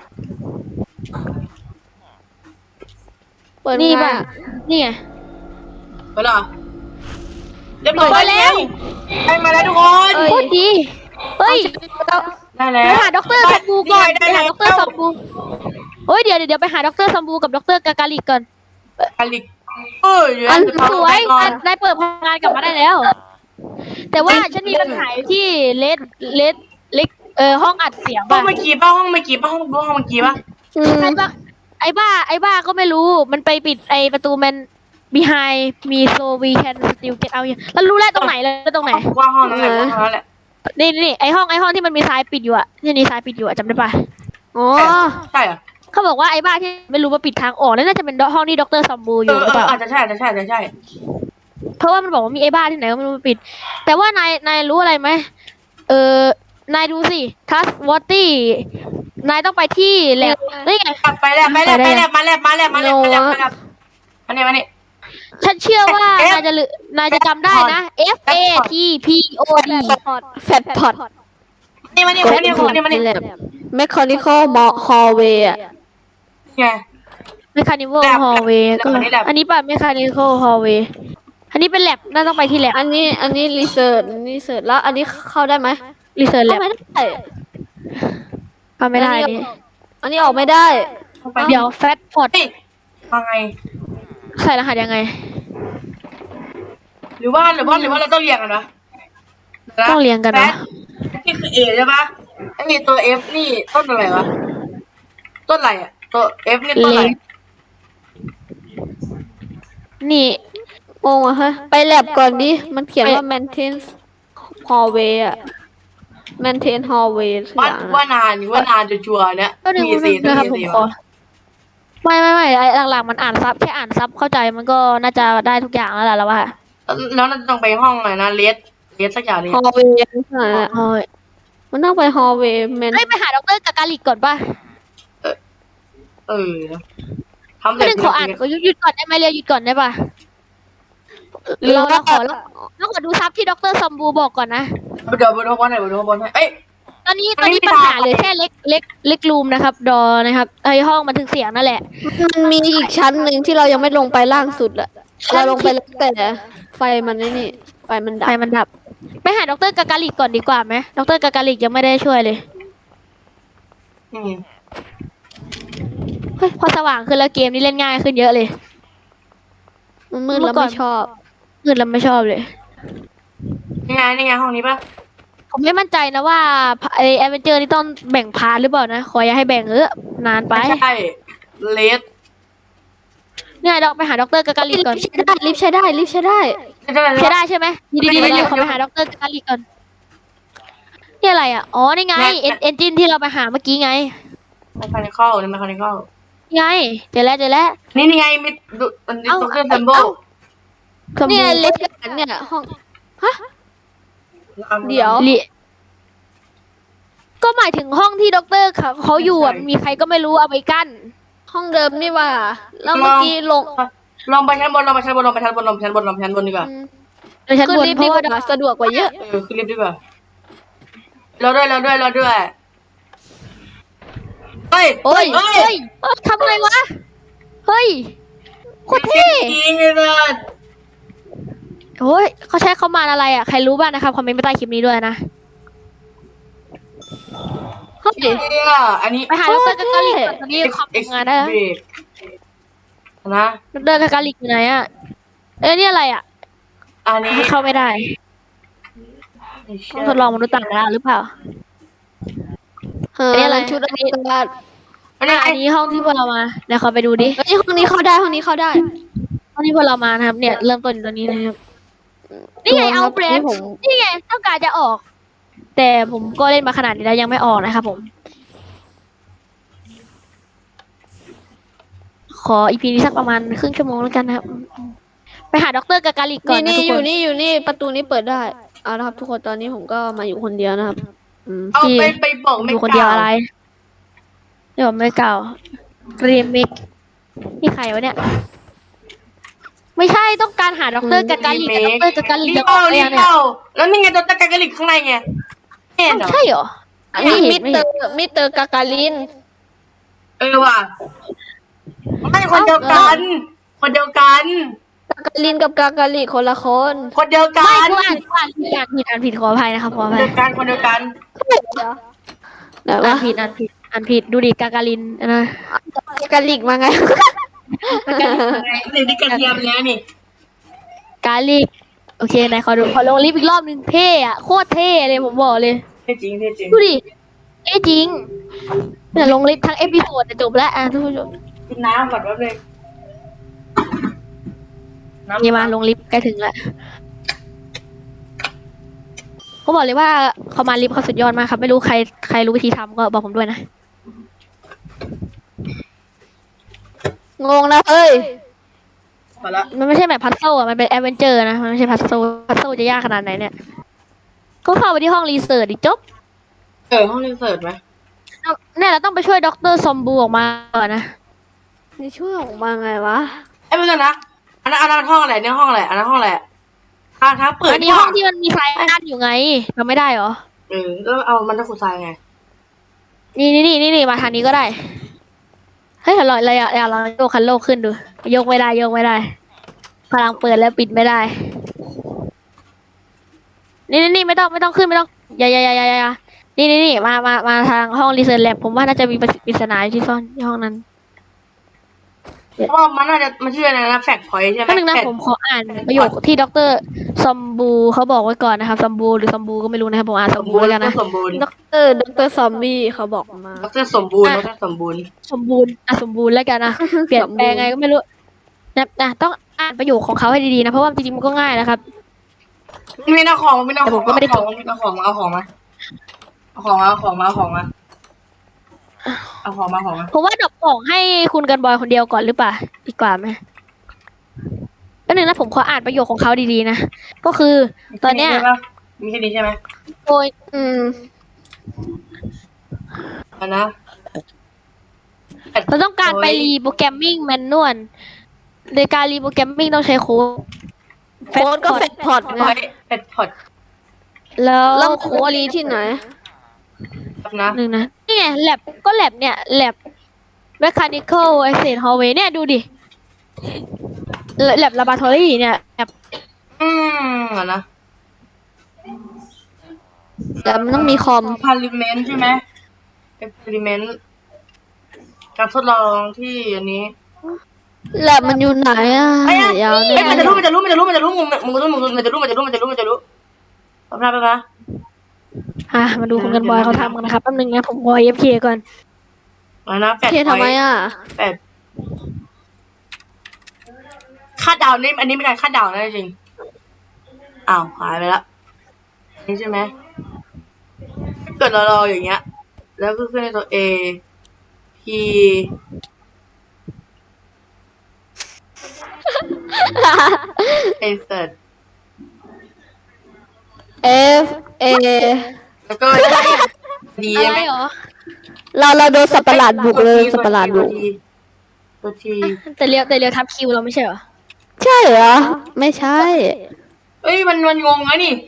[SPEAKER 2] เปิด
[SPEAKER 1] นี่
[SPEAKER 2] ไง
[SPEAKER 1] ป่ะ
[SPEAKER 2] อะ
[SPEAKER 1] นี่ไง
[SPEAKER 3] เปิดเหรอเรียบร้อย
[SPEAKER 1] เปิดแล้ว
[SPEAKER 3] ได้มาแล้วทุกคน
[SPEAKER 1] โคตรดีเฮ้ย
[SPEAKER 3] ได้แล้
[SPEAKER 1] ไป
[SPEAKER 3] ว
[SPEAKER 1] หาด็อกเตอร์ซัมบูก่อน
[SPEAKER 3] ได้
[SPEAKER 1] ไปหา
[SPEAKER 3] แล้ว
[SPEAKER 1] ด็อกเตอร์ซัมบูเฮ้ยเดี๋ยวเดี๋ยวเดี๋ยวไปหาด็อกเตอร์ซัมบูกับด็อกเตอร์กากาลิกก่อน
[SPEAKER 3] อลิกเออเดี๋ยว
[SPEAKER 1] อัน
[SPEAKER 3] จะ
[SPEAKER 1] สวย
[SPEAKER 3] ก่อน
[SPEAKER 1] นายเปิดพลังงานกลับมาได้แล้ว แต่ว่าฉันมีปัญหาอยู่ที่เลดเลดเล็กเออห้องอัดเสียง
[SPEAKER 3] ห้อ
[SPEAKER 1] ป่ะ
[SPEAKER 3] งเมื่อกี้ป่ะห้องเมื่อกี้ป่ะห้องห้องเมื่อกี้ป่ะ
[SPEAKER 2] อืม
[SPEAKER 1] ไอ้บ้าไอ้บ้าไอ้บ้าก็ไม่รู้มันไปปิดไอ้ประตูมัน behind มี so we can still get out แล้วรู้แล้วตรงไหนแล้วตรงไหน
[SPEAKER 3] ว่าห้องนั้นแหละห้องนั้นแหละ
[SPEAKER 1] นี่นี่ไอ้ห้องไอ้ห้องที่มันมีทรายปิดอยู่อะที่นี่ทรายปิดอยู่อะจำได้ปะ
[SPEAKER 2] อ๋อ
[SPEAKER 3] ใช่เหรอ
[SPEAKER 1] เขาบอกว่าไอ้บ้าที่ไม่รู้ว่าปิดทางออกแล้วน่าจะเป็นห้องที่ด็อกเตอร์ซัมบูอ
[SPEAKER 3] เอยู่ อ
[SPEAKER 1] ห
[SPEAKER 3] เอ
[SPEAKER 1] รือเป
[SPEAKER 3] อ
[SPEAKER 1] ล่า
[SPEAKER 3] อาจจะใช่อาจจะใช่อาจจะใช่
[SPEAKER 1] เพราะว่ามันบอกว่ามีไอ้บ้าที่ไหนก็ไม่รู้มาปิด แต่ว่านายนายรู้อะไรไหมเออนายดูสิทัสวอตตี้นายต้องไปที่แลบนี่ไง
[SPEAKER 3] ไปแล้วไปแล้วไปแล้วมาแล้วมาแล้วมาแล้วมาแล้วมาแล้วมาเนี่ยมาเนี่ย
[SPEAKER 1] ฉันเชื่อว่า
[SPEAKER 3] F
[SPEAKER 1] นายจะลืนายจะจำได้นะ F A T P O D
[SPEAKER 2] แฟตพอด
[SPEAKER 3] นี่มาเนี่ยมาเนี่ยมาเนี่ยมาเนี่ย
[SPEAKER 2] แมคคอนิคอลมอฮอลเวย์อ่ะ
[SPEAKER 3] ไง
[SPEAKER 1] Mechanical
[SPEAKER 3] แลบ
[SPEAKER 1] Hallway
[SPEAKER 3] แลบ
[SPEAKER 1] ก็
[SPEAKER 3] อันนี้แลบ
[SPEAKER 1] อันนี้ป่ะ Mechanical Hallway อันนี้เป็นแลบน่าต้องไปที่แลบ
[SPEAKER 2] อันนี้อันนี้รีเสิร์ชรีเสิร์ชแล้วอันนี้เข้าได้ไหม
[SPEAKER 1] Research
[SPEAKER 2] เข้า
[SPEAKER 1] Lab
[SPEAKER 2] ไม่ได้
[SPEAKER 1] ทำไม่ได้
[SPEAKER 2] อัน
[SPEAKER 1] นี่
[SPEAKER 2] นี้อันนี้ออกไม่ได้
[SPEAKER 3] ไป
[SPEAKER 1] เดี๋ยว Fat Pot
[SPEAKER 3] เฮ้ยมาไง
[SPEAKER 1] ใส่รหัสยังไง
[SPEAKER 3] หรือว่าหรือว่าหรือว่าเราต้องเรียงกันนะ
[SPEAKER 1] ต้องเรียงกันเหรอ
[SPEAKER 3] แฟตนี่คือ A ใช่ปะไอ้ตัว F นี่ต้นอะไรวะต้นอะไรอ่ะตัว F นี่ต้นอะไร
[SPEAKER 1] เล็ก นี่
[SPEAKER 2] งงอ่ะฮะไปแลบก่อนดิ มันเขียนว่า maintain hallway อ่ะ maintain hallway สักอ
[SPEAKER 3] ว่า
[SPEAKER 2] ย่าง
[SPEAKER 3] ว่า
[SPEAKER 2] อะ
[SPEAKER 3] นานว่านานจะชัวร์เนี่ย
[SPEAKER 1] ก็หนึ่ง
[SPEAKER 3] มี
[SPEAKER 1] หนึ่
[SPEAKER 3] สี่
[SPEAKER 1] ง
[SPEAKER 3] ต้อ
[SPEAKER 1] นะ
[SPEAKER 3] ง
[SPEAKER 1] ครับ
[SPEAKER 3] มี
[SPEAKER 1] ผม
[SPEAKER 3] สี่
[SPEAKER 1] ขอไม่ไม่ไม่ไอ้หลังๆมันอ่านซับแค่อ่านซับเข้าใจมันก็น่าจะได้ทุกอย่างแล้วแหละแล้วว่า
[SPEAKER 3] แล้วเราต้องไปห้องอะไรนะเลสเลสสักอย่างนี้
[SPEAKER 2] hallway สักอย่างอะ
[SPEAKER 1] โอ้ย
[SPEAKER 2] มันต้องไป hallway man
[SPEAKER 1] เฮ้ยไปหาด็อกเตอร์กากาลิกก่อนป่ะ
[SPEAKER 3] เออทำ
[SPEAKER 1] ก็หนึ่งขออ่านขอหยุดหยุดก่อนได้ไหมเรียวหยุดก่อนได้ป่ะ
[SPEAKER 2] หรือ
[SPEAKER 1] เรา
[SPEAKER 2] ว่า
[SPEAKER 1] เราขอเราเราขอดูซับที่ด็อกเตอร์ซัมบูบอกก่อนนะ
[SPEAKER 3] เดี๋ยวบนห้องบนไหนบนห้องบนให้เอ้ย
[SPEAKER 1] เออนนี้ตอนนี้ปัญหาเหลือแค่เล็กเล็กเล็กรูมนะครับ ดอนะครับไอห้องบันทึกเสียงนั่นแหละ
[SPEAKER 2] มันมีอีกชั้นหนึ่งที่เรายังไม่ลงไปล่างสุดอะเราลงไปแล้วแต่ไฟมันนี่นี่ไฟมันดั
[SPEAKER 1] ไฟ
[SPEAKER 2] บ
[SPEAKER 1] มันดับไปหาดรกากาลิกก่อนดีกว่าไหมดรกากาลิกยังไม่ได้ช่วยเลย
[SPEAKER 3] อืม
[SPEAKER 1] เฮ้ยพอสว่างขึ้นแล้วเกมนี้เล่นง่ายขึ้นเยอะเลย
[SPEAKER 2] มันมืด
[SPEAKER 1] เมื่
[SPEAKER 2] แล้ว
[SPEAKER 1] อก่อน
[SPEAKER 2] ไม่ชอบ
[SPEAKER 1] มืดแล้วไม่ชอบเลย
[SPEAKER 3] นี่ไงนี่ไงห้องนี้ปะ
[SPEAKER 1] ผมไม่มั่นใจนะว่าไอแอดเวนเจอร์นี่ต้องแบ่งพาร์ทหรือเปล่านะ ขออย่าให้แบ่งเออนานไป
[SPEAKER 3] ไม่ใช่เลส
[SPEAKER 1] เนี่ยดอกไปหาดรกากาลิกก่อน
[SPEAKER 2] ลิฟต์ใช้ได้ลิฟต์ใช้ได้ลิฟต์ใช้ได้
[SPEAKER 3] ใช่ไหม
[SPEAKER 1] ใช่ได้ใช่ไหมดีดีดีดีขอไปหาดรกากาลิกก่อนนี่อะไรอ่ะอ๋อนี่ไงเอ็นเอนจินที่เราไปหาเมื่อกี้ไง
[SPEAKER 3] ไม่คานิคอลนี่ไม่คานิคอล
[SPEAKER 1] นี่ไงเจอแล้วเจอแล้ว
[SPEAKER 3] นี่นี่ไงมิดดูอันนี้
[SPEAKER 1] เอ้า
[SPEAKER 3] ตัวเครื่อง
[SPEAKER 1] เอ้า
[SPEAKER 3] แซมโบ
[SPEAKER 1] สม
[SPEAKER 2] เนี่ย
[SPEAKER 1] บูรณ์
[SPEAKER 2] ลิฟต์เนี่ยห้องเดี๋ยว
[SPEAKER 1] ลิก็หมายถึงห้องที่ด็อกเตอร์เขาเขาอยู่อ่ะมีใครก็ไม่รู้เอาไปกั้น
[SPEAKER 2] ห้องเดิมนี่ว่าแล้วเมื่อกี้ลง
[SPEAKER 3] ลองไปชั้นบนลองไปชั้นบนลองไปชั้นบนลองไปชั้นบนลองไปชั้นบนดีกว่า
[SPEAKER 2] อืม
[SPEAKER 1] ในชั้น
[SPEAKER 2] ขึ้น
[SPEAKER 1] บน
[SPEAKER 2] ลิฟต์
[SPEAKER 1] เพ
[SPEAKER 2] ดี
[SPEAKER 1] ราะ
[SPEAKER 2] ก
[SPEAKER 1] ว่า
[SPEAKER 2] ว่าสะดวกกว่าเยอะ
[SPEAKER 3] เออขึ้นลิฟต์ดีกว่าเราด้วยเราด้วยเราด้วยเฮ้ย
[SPEAKER 2] โอ้ย
[SPEAKER 3] เฮ้ย
[SPEAKER 1] เฮ้ยเอ้ยทำไงวะเฮ้ยโคตรเท่
[SPEAKER 3] จริงเลยนะ
[SPEAKER 1] โอ้ยเขาใช้เขามาอะไรอ่ะใครรู้บ้างนะครับคอมเมนต์ไปใต้คลิปนี้ด้วยนะ
[SPEAKER 2] เฮ้ย
[SPEAKER 3] เนี่ยอันนี้
[SPEAKER 1] ไปหาดรกากาลิกก่อนตอนนี้คอมทำงานได้แล้ว
[SPEAKER 3] เบรกนะ
[SPEAKER 1] ดรกากาลิกอยู่ไหนอ่ะเอ้ยนี่อะไรอ่ะ
[SPEAKER 3] อันนี้
[SPEAKER 1] เข้าไม่ได้ต้องทดลองมนุษย์ต่างดาวหรือเปล่า
[SPEAKER 2] เฮ้
[SPEAKER 1] อันนี้
[SPEAKER 2] ย
[SPEAKER 1] อะไร
[SPEAKER 2] ชุดอวกาศ
[SPEAKER 3] อันนี้
[SPEAKER 1] อ่ะอันนี้ห้องที่พวกเรามาเดี๋ยวขอไปดูดิ
[SPEAKER 2] เฮ้ยห้องนี้เข้าได้ห้องนี้เข้าได้
[SPEAKER 1] ห้องที่พวกเรามานะครับ เนี่ยเริ่มต้นอยู่ตรงนี้นะครับนี่ไงเอาเบร
[SPEAKER 2] นี่
[SPEAKER 1] น
[SPEAKER 2] ผม
[SPEAKER 1] นี่ไงต้องการจะออก แต่ผมก็เล่นมาขนาดนี้แล้วยังไม่ออกนะครับผม ขออีพีนี้สักประมาณครึ่งชั่วโมงแล้วกันนะครับ ไปหาดรกากาลิกก่อน
[SPEAKER 2] นี่นี่
[SPEAKER 1] นะทุก
[SPEAKER 2] อ
[SPEAKER 1] ค
[SPEAKER 2] ยู่
[SPEAKER 1] น
[SPEAKER 2] นี่อยู่นี่ประตูนี้เปิดได้เอาละครับทุกคนตอนนี้ผมก็มาอยู่คนเดียวนะครับอืม
[SPEAKER 3] เอาไปไปบอก
[SPEAKER 1] อ
[SPEAKER 3] ไม่
[SPEAKER 1] ยู่คนเดียวอะไรเดี๋ยวไม่เก่าเรียมิกนี่ใครวะเนี่ย ไม่ใช่ต้องการหาดรกากาลิกแต่ดรกากาลิก
[SPEAKER 3] รี
[SPEAKER 1] จะ
[SPEAKER 3] บ
[SPEAKER 1] ออ
[SPEAKER 3] เอา
[SPEAKER 1] กไป
[SPEAKER 3] รี
[SPEAKER 1] ยั
[SPEAKER 3] บ
[SPEAKER 1] งเนี่ย
[SPEAKER 3] เอาแล้วนี่ไงตัวตะกากะลิกข้างในไงเห็นเหรอ
[SPEAKER 1] ใช่เหรอ
[SPEAKER 2] อันนี้
[SPEAKER 1] ไม่
[SPEAKER 2] มิ
[SPEAKER 1] เห็
[SPEAKER 2] ส
[SPEAKER 1] นไม่
[SPEAKER 2] เตอ
[SPEAKER 1] เห็น
[SPEAKER 2] ร์มิสเตอร์กากาลิน
[SPEAKER 3] เออว่ะไม่คนเดียวกัน คนเดียวกัน
[SPEAKER 2] กากาลินกับกากาลิคนละคน
[SPEAKER 3] คนเดียวกั
[SPEAKER 1] ไม่
[SPEAKER 3] น
[SPEAKER 1] กูอ่านกูอ่านผิดอ่านผิดอ่านผิดขออภัยนะครับขออ
[SPEAKER 3] คน
[SPEAKER 1] ภัย
[SPEAKER 3] เดียวกันคนเดียวกัน
[SPEAKER 2] เดี๋ยว
[SPEAKER 1] อ่า
[SPEAKER 2] ว่าน
[SPEAKER 1] ผิดอ่านผิดอ่านผิดดูดิกากาลินนะ
[SPEAKER 2] กากาลิกมาไง
[SPEAKER 3] นี่นี่กระเทียมแล้วนี่
[SPEAKER 1] กาลิกโอเคไหนขอดูขอลงลิฟต์อีกรอบหนึงเท่อะโคตรเท่เลยผมบอกเลย
[SPEAKER 3] เท่จริงเท่จริง
[SPEAKER 1] ดูดิเอ้จริงเนี่ยลงลิฟต์ทั้งเอพิโซดจะจบแล้วอ่ะทุกผู้ชม
[SPEAKER 3] กินน้ำก่อนแป๊บนึง
[SPEAKER 1] นี่มาลงลิฟต์ใกล้ถึงแล้วเขาบอกเลยว่าเขามาลิฟต์เขาสุดยอดมากครับ ไม่รู้ใครใครรู้วิธีทำก็บอกผมด้วยนะ
[SPEAKER 2] งงนะเอ้ย
[SPEAKER 3] มาละ
[SPEAKER 1] มันไม่ใช่แบบพัซเซิลอ่ะมันเป็นแอดเวนเจอร์นะมันไม่ใช่พัซเซิลพัซเซิลจะยากขนาดไหนเนี่ยก็เข้าไปที่ห้องรีเสิร์ชดิจบ
[SPEAKER 3] เออห้องรีเสิร์ชไหม
[SPEAKER 1] เนี่ยเราต้องไปช่วยด็อกเตอร์ซอมบูออกมาก่อนนะ
[SPEAKER 2] นี่ช่วยออกมาไงวะ
[SPEAKER 3] ไอ้ยเพื่อนนะอันนั้นอันนั้นห้องอะไรเนี่ยห้องอะไรอันนั้นห้องอะไรทางทางเปิด
[SPEAKER 1] อันนี้ห้องที่มันมีไฟกั้นอยู่ไงทำไม่ได้เหรอ
[SPEAKER 3] เออแล้วเอามันจะขุดทรายไง
[SPEAKER 1] นี่นี่นี่นี่นี่มาทางนี้ก็ได้ เฮ้ยเราเราเราเราโยกคันโลกขึ้นดูโยกไม่ได้โยกไม่ได้ พลังเปิดแล้วปิดไม่ได้ นี่นี่นี่ไม่ต้องไม่ต้องขึ้นไม่ต้องอย่าอย่าอย่าอย่าอย่านี่นี่นี่มามามาทางห้องรีเสิร์ชแลบผมว่าน่าจะมีปริศนาอยู่ที่ซ่อนที่ห้องนั้น
[SPEAKER 3] เพราะว่ามันน่าจะมันชื่ออะไรนะแฟกพอยต์ใช่ไหม
[SPEAKER 1] ก็หนึ่งนะ
[SPEAKER 3] fact
[SPEAKER 1] ผมขออ่านประโยคที่ด็อกเตอร์ซอมบูเขาบอกไว้ก่อนนะครับซอมบูหรือซอมบูก็ไม่รู้นะครับผมอ่านซ
[SPEAKER 3] ส
[SPEAKER 1] อ
[SPEAKER 3] ม
[SPEAKER 1] มบู
[SPEAKER 3] บูรณ์
[SPEAKER 1] แล้วกันนะ
[SPEAKER 3] สมบูรณ์
[SPEAKER 2] ด็อกเตอร์ด็อกเตอร์ซอมบี้เขาบอกมา
[SPEAKER 3] ดรสมบูรณ์ดรสมบูรณ์
[SPEAKER 1] สมบูรณ์อ่ะสมบูรณ์แล้วกันนะ เปลี่ยนแปลงไงก็ไม่รู้นะนะต้องอ่านประโยคของเขาให้ดีๆนะเพราะว่าจริงๆมันก็ง่ายนะครับ
[SPEAKER 3] มีเอาของมีเอา
[SPEAKER 1] แต่
[SPEAKER 3] ข
[SPEAKER 1] ผ
[SPEAKER 3] อง
[SPEAKER 1] มก็ไม่ได้
[SPEAKER 3] เอาของมีเอาของมาเอาของมาเอาของมาเอาของมาเอาของมาเอาของมาเอาของมา
[SPEAKER 1] ผมว่าดรอปของให้คุณกันบอยคนเดียวก่อนหรือเปล่าดีกว่าไหมก็หนึ่งนะผมขออ่านประโยคของเขาดีๆนะก็คือตอนเนี้ย
[SPEAKER 3] มีแค่นี้ใช่ไหม
[SPEAKER 1] โดย
[SPEAKER 2] อืม
[SPEAKER 3] อันนะ
[SPEAKER 1] เราต้องการไปรีโปรแกรมมิ่งแมนนวลในการรีโปรแกรมมิ่งต้องใช้โค้ด
[SPEAKER 2] โค้ดก็แฟกพอดไง
[SPEAKER 3] พอยเป็ดพอด
[SPEAKER 1] แล้ว
[SPEAKER 2] แล้ว
[SPEAKER 1] โค้ด
[SPEAKER 2] รีที่ไหน
[SPEAKER 3] นะ
[SPEAKER 1] หนึ่งนะนี่ไงแลบก็แลบเนี่ยแลบ mechanical asset hallway เนี่ยดูดิแลบ laboratory เนี่ยแลบ
[SPEAKER 3] อืมอ่ะนะ
[SPEAKER 2] แต่มันต้องมีคอม
[SPEAKER 3] พาริเมนต์ใช่ไหมเอ็กเพริเมนต์การทดลองที่อันนี้
[SPEAKER 2] แลบมันอยู่ไหนอ่ะ
[SPEAKER 3] ไอ้ยะ
[SPEAKER 2] ยาว
[SPEAKER 3] เอ้
[SPEAKER 2] แน่
[SPEAKER 3] ยมันจะรู้มันจะรู้มันจะรู้มันจะรู้มึงมึงรู้มึงมันจะรู้มันจะรู้มันจะรู้มันจะรู้แป๊บนะแป๊บนะ
[SPEAKER 1] อ่ะมาดูคุณกันบอยเขาทำกันนะครับแป๊บนึงนะผมขอ เอ เอฟ เค ก่อน
[SPEAKER 3] อะไรนะแปด
[SPEAKER 2] เทียทำไมอ่ะ
[SPEAKER 3] แปดคาดเดานี่อันนี้เป็นการคาดเดานะจริงอ้าวหายไปละนี่ใช่ไหมถ้าเกิดเรารออย่างเงี้ย แล้วก็ขึ้นในตัว A P insert
[SPEAKER 2] F A
[SPEAKER 3] แล้วก็ดี
[SPEAKER 1] อะ
[SPEAKER 3] ใช่
[SPEAKER 1] ไร
[SPEAKER 3] ไหม
[SPEAKER 1] เหรอ
[SPEAKER 2] เราเราโดนสัตว์ประหลาดบุกเลยสัตว์ประหลาดบุก
[SPEAKER 3] ตัวที
[SPEAKER 1] แต่เรียวแต่เรียวทับคิวเราไม่ใช่เหรอ
[SPEAKER 2] ใช่เหรอ ไม่ใช่
[SPEAKER 3] เอ้ยมันมันงงนะนี่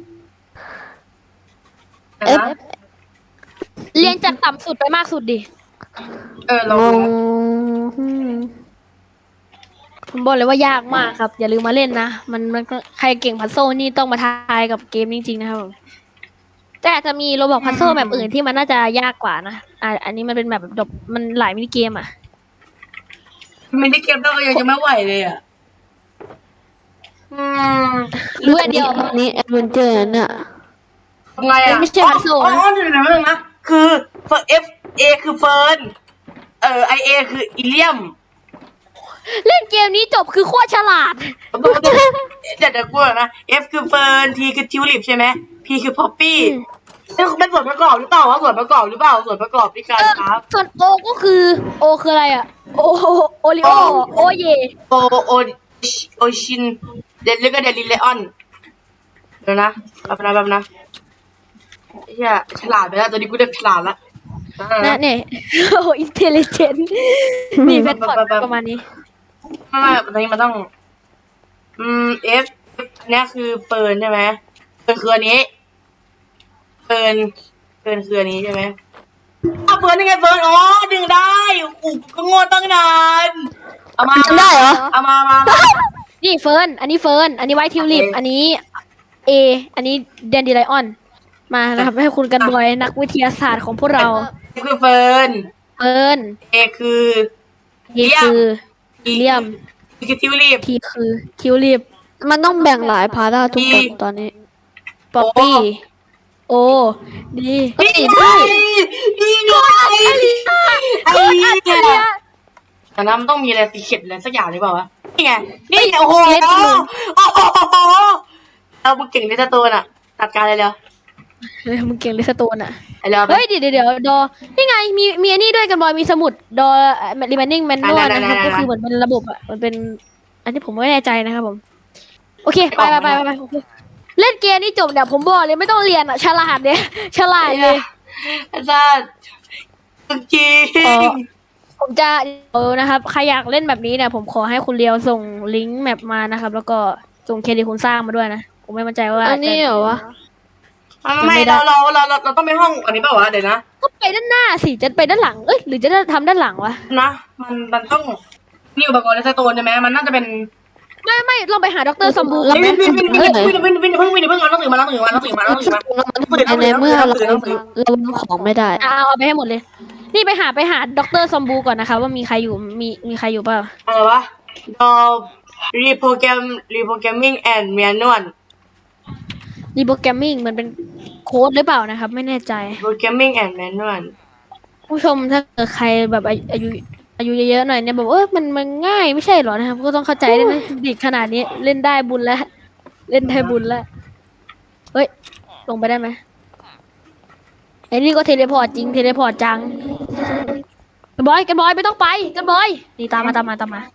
[SPEAKER 2] F
[SPEAKER 3] นะ
[SPEAKER 1] เรียงจากต่ำสุดไปมากสุดดิ
[SPEAKER 3] เออเรา
[SPEAKER 2] ง
[SPEAKER 3] ดู
[SPEAKER 2] ง
[SPEAKER 3] นะ
[SPEAKER 2] อืม
[SPEAKER 1] ผมบอกเลยว่ายากมากครับ อย่าลืมมาเล่นนะ มันมันก็ใครเก่งพัซโซลนี่ต้องมาทายกับเกมจริงๆนะครับผมแต่อาจจะมีโรบอกพัซโซลแบบอื่นที่มันน่าจะยากกว่านะอ่าอันนี้มันเป็นแบบดบมันหลายมินิเกมอ่ะ
[SPEAKER 3] มินิเกมเรายังจะไม่ไหวเลยอ่ะอืม
[SPEAKER 1] รู้อันเดียว
[SPEAKER 2] อันนี้แอดเวนเจอร์น่ะ
[SPEAKER 3] ทำไงอ่ะ
[SPEAKER 1] ไม่ใช่พัซโซล
[SPEAKER 3] อ๋อ
[SPEAKER 1] นะ
[SPEAKER 3] อ๋อเดี๋ยวนะเดี๋ยวนะคือ F A คือเฟิร์นเอ่อ I A คืออิเลียม
[SPEAKER 1] เล่นเกมนี้จบคือโคตรฉลาด
[SPEAKER 3] เดี๋ยวเดี๋ยวกูก่อนนะ F คือเฟิร์น T คือทิวลิปใช่ไหม P คือพอปปี้นี่เป็นส่วนประกอบหรือเปล่าวะส่วนประกอบหรือเปล่าส่วนประกอบที่การ
[SPEAKER 1] เออ
[SPEAKER 3] ครับ
[SPEAKER 1] ส่วนโอก็คือโอคืออะไรอ่ะ โอโอริโอโอเย
[SPEAKER 3] โอโอโอชินเดลแล้วก็เดลิเลออนเดี๋ยวนะแป๊บนะแป๊บนะไอ้เหี้ยฉลาดไปแล้วตอนนี้กูได้ฉลาดละ
[SPEAKER 1] นะเนี่ยโอ้อินเทลเจนนี่เป็นพอร์ตประมาณนี้
[SPEAKER 3] ไม่ไม่ตอนนี้มันต้อง อืม F อันเนี้ยคือเฟิร์นใช่ไหมเฟิร์นคืออันนี้เฟิร์นเฟิร์นคืออันนี้ใช่ไหมอ่ะเฟิร์นยังไงเฟิร์นอ๋อดึงได้อูก็โง่ตั้งนานเอามา
[SPEAKER 2] จำได้เหรอ
[SPEAKER 3] เอามามามา
[SPEAKER 1] นี่เฟิร์น อันนี้เฟิร์น อันนี้ไวท์ทิวลิป
[SPEAKER 3] โอเค
[SPEAKER 1] อันนี้เอ อันนี้แดนดีไลออน มานะครับให้คุณกันบอยนักวิทยาศาสตร์ของพวกเรา
[SPEAKER 3] F คือเฟิร์น
[SPEAKER 1] เฟิร์น
[SPEAKER 3] A คือ
[SPEAKER 1] เอคือเลียม
[SPEAKER 3] T คือทิวลิป
[SPEAKER 1] ทีคือทิวลิป
[SPEAKER 2] มันต้องแบ่งหลายพาร์ทอะทุกคนตอนนี้
[SPEAKER 1] ป๊อปปี้ โอ ดี
[SPEAKER 2] เฮ้ย
[SPEAKER 3] นี่ไงนี่ไงไอ้
[SPEAKER 1] เอออัจฉ
[SPEAKER 3] เนี่
[SPEAKER 1] ริ
[SPEAKER 3] ย
[SPEAKER 1] ยะ
[SPEAKER 3] แต่นั้นมันต้องมีอะไรสีเข็ดอะไรสักอย่างหรือเปล่าวะนี่ไงนี่ไงโอ้โห
[SPEAKER 1] เล็กจังเลย
[SPEAKER 3] โอ้โหเรามึงเก่งในสตูนอ่ะตัดการเลยเร็ว
[SPEAKER 1] เฮ้ยมึงเก่งลิสโตนอ่ะ
[SPEAKER 3] ไอ้เร็วไป
[SPEAKER 1] เฮ้ยเดี๋ยวเดี๋ยวเดี๋ยวดอ นี่ไง มี มีอันนี้ด้วยกันบอย มีสมุด ดอ remaining manual
[SPEAKER 3] ได้ได้
[SPEAKER 1] นะครับ
[SPEAKER 3] ได้ได้
[SPEAKER 1] ก็คือเหมือนเป็นระบบอ่ะ มันเป็น อันนี้ผมไม่แน่ใจนะครับผม โอเค ไป
[SPEAKER 3] ออก
[SPEAKER 1] ไป
[SPEAKER 3] มา
[SPEAKER 1] ไปไปโอเคเล่นเกมนี้จบเนี่ยผมบอกเลยไม่ต้องเรียนอ่ะ ฉลาดเนี่ย ฉลาดเลย
[SPEAKER 3] อาจารย์จริง
[SPEAKER 1] อ๋อ ผมจะเออนะครับ ใครอยากเล่นแบบนี้เนี่ย ผมขอให้คุณเลียวส่งลิงก์แมปมานะครับ แล้วก็ส่งเครดิตคุณสร้างมาด้วยนะ ผมไม่มั่นใจว่า
[SPEAKER 2] อันนี้เหรอวะ
[SPEAKER 3] ไม่ไม่เราเราเราเราเราต้องไปห้องอันนี้เปล่าวะเดี๋ยวนะ
[SPEAKER 1] ก็ไปด้านหน้าสิ จะไปด้านหลัง เอ้ย หรือจะทำด้านหลังวะ
[SPEAKER 3] นะมันมันต้องนี่อุปกรณ์ในสตูนใช่ไหมมันน่าจะเป็น
[SPEAKER 1] ไม่ไม่ลองไปหาดรซอมบู
[SPEAKER 3] วินวินวินวินวินวินวินวินวินเพิ่งวินเพิ่งเอาหนังสือมาหนังสือมาหนังสือมาหนังสือมา
[SPEAKER 2] ในเมื่อเราเราวางของไม่ได้
[SPEAKER 1] เอาเอาไปให้หมดเลย นี่ไปหาไปหาดรซอมบูก่อนนะคะ ว่ามีใครอยู่ มีมีใครอยู่เปล่า
[SPEAKER 3] อะไรวะดอรีโปรแกรมรีโปรแกรมมิ่งแอนด์แมนนวล
[SPEAKER 1] รีโปรแกรมมิ่งมันเป็นโค้ดหรือเปล่านะครับ ไม่แน่ใจ
[SPEAKER 3] โปรแกรมมิ่งแอนด์แมนนวล
[SPEAKER 1] ผู้ชมถ้าเกิดใครแบบอายุอายุอายุเยอะๆหน่อยเนี่ยแบบเออมันมันง่ายไม่ใช่เหรอนะครับ ก็ต้องเข้าใจด้วยนะเด็กขนาดนี้เล่นได้บุญแล้ว เล่นได้บุญแล้ว เฮ้ย ลงไปได้ไหมไอ้นี่ก็เทเลพอร์ตจริงเทเลพอร์ตจังกันบอยกันบอยไม่ต้องไปกันบอยนี่ตามมาตามมาตามมา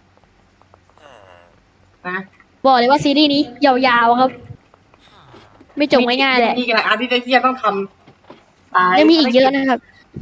[SPEAKER 3] นะ
[SPEAKER 1] บอกเลยว่าซีรีส์นี้ยาวๆครับ ไม่จบง่ายๆแหละ
[SPEAKER 3] มีกี่อันที่ที่จะต้องทำตาย
[SPEAKER 1] ยังมีอีกเยอะนะครับ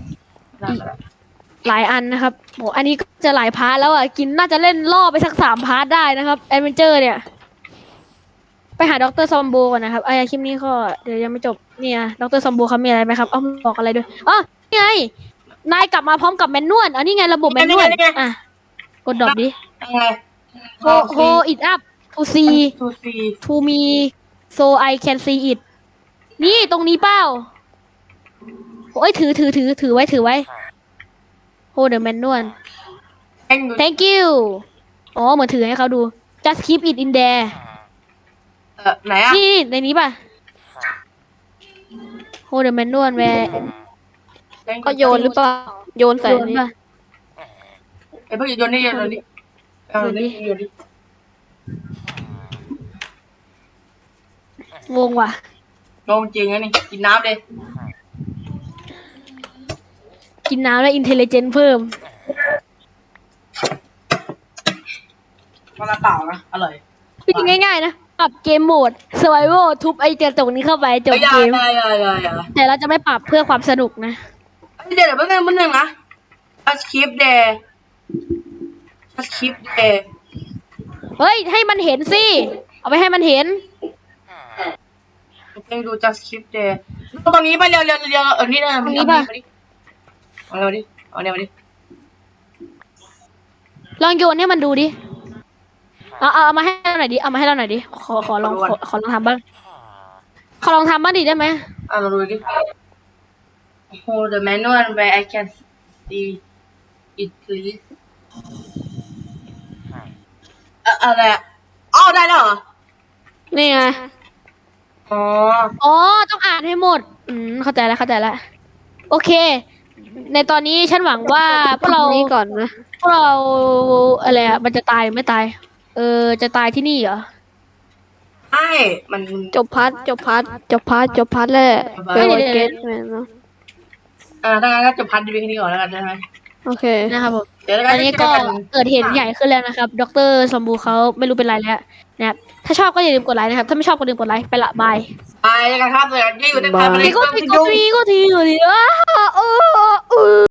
[SPEAKER 1] หลายอันนะครับโหอันนี้ก็จะหลายพาร์ทแล้วอ่ะ กินน่าจะเล่นล่อไปสักสามพาร์ทได้นะครับแอดเวนเจอร์เนี่ยไปหาดรซอมโบก่อนนะครับไอ้คลิปนี้ก็เดี๋ยวยังไม่จบเนี่ยดรซอมโบเขามีอะไรไหมครับเอ้าบอกอะไรด้วยอ๋อนี่ไงนายกลับมาพร้อมกับแมนนวลอันนี้ไงระบบแมนนวลอ่ะกดดรอปดิ
[SPEAKER 3] ยังไง
[SPEAKER 1] โฮโฮ it up to see
[SPEAKER 3] ทูซี
[SPEAKER 1] to me so I can see it นี่ตรงนี้เปล่าโอ้ยถือถือถือถือไว้ถือไว้ hold the manual
[SPEAKER 3] แองดู
[SPEAKER 1] thank you อ๋อเหมือนถือให้เขาดู just keep it in there
[SPEAKER 3] เออไหนอ่ะ
[SPEAKER 1] นี่ในนี้ป่ะ hold the manual where
[SPEAKER 2] ก็โยนหรือเปล่าโยนใส่
[SPEAKER 1] โยน
[SPEAKER 2] นี่
[SPEAKER 1] ป่ะ
[SPEAKER 3] ไอ้พวกโยนนี่โยนนี่โยนนี่โยนนี่
[SPEAKER 1] งงว่ะ
[SPEAKER 3] งงจริงนะนี่กินน้ำเลย
[SPEAKER 1] กินน้ำแล้ว intelligence เพิ่ม
[SPEAKER 3] มันละเปล่านะอร่อย
[SPEAKER 1] วิธีง่ายๆนะปรับเกมโหมด survival ทุบไอ้เจอตรงนี้เข้าไปจบ
[SPEAKER 3] อย่า
[SPEAKER 1] เกม
[SPEAKER 3] อย่าอย่าอย่าอย่า
[SPEAKER 1] แต่เราจะไม่ปรับเพื่อความสนุกนะ
[SPEAKER 3] เดี๋ยวเดี๋ยวแป๊บนึงแป๊บนึงนะ just keep there just keep there
[SPEAKER 1] เฮ้ย ให้มันเห็นสิ เอาไปให้มันเห็น
[SPEAKER 3] เองดู just keep there ตรงนี้ไปเร็วเร็วเร็วเออนี่นะ
[SPEAKER 1] ตรงนี้ป่ะ
[SPEAKER 3] เอาเร็วดิเอาเร็วดิ
[SPEAKER 1] ลองโยนให้มันดูดิ เอาเอาเอามาให้เราหน่อยดิ เอามาให้เราหน่อยดิ ขอขอลองขอขอลองทำบ้าง ขอลองทำบ้างดิได้ไหม
[SPEAKER 3] อ่ะลองดูดิ hold the manual where I can see it please อะอะไรอะอ้าวได้แล้วเหรอ
[SPEAKER 2] นี่ไง
[SPEAKER 3] อ๋อ
[SPEAKER 1] อ๋อ ต้องอ่านให้หมด อืม เข้าใจแล้วเข้าใจแล้ว โอเค ในตอนนี้ฉันหวังว่าพวกเรา
[SPEAKER 2] นี่ก่อนนะ
[SPEAKER 1] พวกเราอะไรอะมันจะตายหรือไม่ตาย เออ จะตายที่นี่เหรอ
[SPEAKER 3] ใช่มัน
[SPEAKER 2] จบพาร์ทจบพาร์ทจบพาร์ทจบพาร์ทแล้ว
[SPEAKER 3] จบพาร์ท
[SPEAKER 2] เฟเวอ
[SPEAKER 1] เดี๋
[SPEAKER 2] ร์
[SPEAKER 1] ยว
[SPEAKER 2] เก
[SPEAKER 1] เดี๋
[SPEAKER 2] ต
[SPEAKER 1] ยว
[SPEAKER 2] แมนเนาะ
[SPEAKER 3] อ่าถ้างั้นก็จบพันธุ์ดีแค่นี้ก่อนแล้วกันใช่ไหม
[SPEAKER 2] โอเค
[SPEAKER 1] นะครับผม
[SPEAKER 3] เดี๋ยวแล้ว
[SPEAKER 1] อันนี้ก็
[SPEAKER 3] จะ
[SPEAKER 1] เกิดเหตุใหญ่ขึ้นแล้วนะครับ ดรสมบูเขาไม่รู้เป็นไรแล้วนะครับ ถ้าชอบก็อย่าลืมกดไลค์นะครับ ถ้าไม่ชอบก็อย่าลืมกดไลค์ ไปละบาย
[SPEAKER 3] ไปกันครับเลยที่อยู่ในพันธุ์
[SPEAKER 2] บาย
[SPEAKER 1] ก็ทีก็ทีก็ทีก็ทีอ้าเออเออ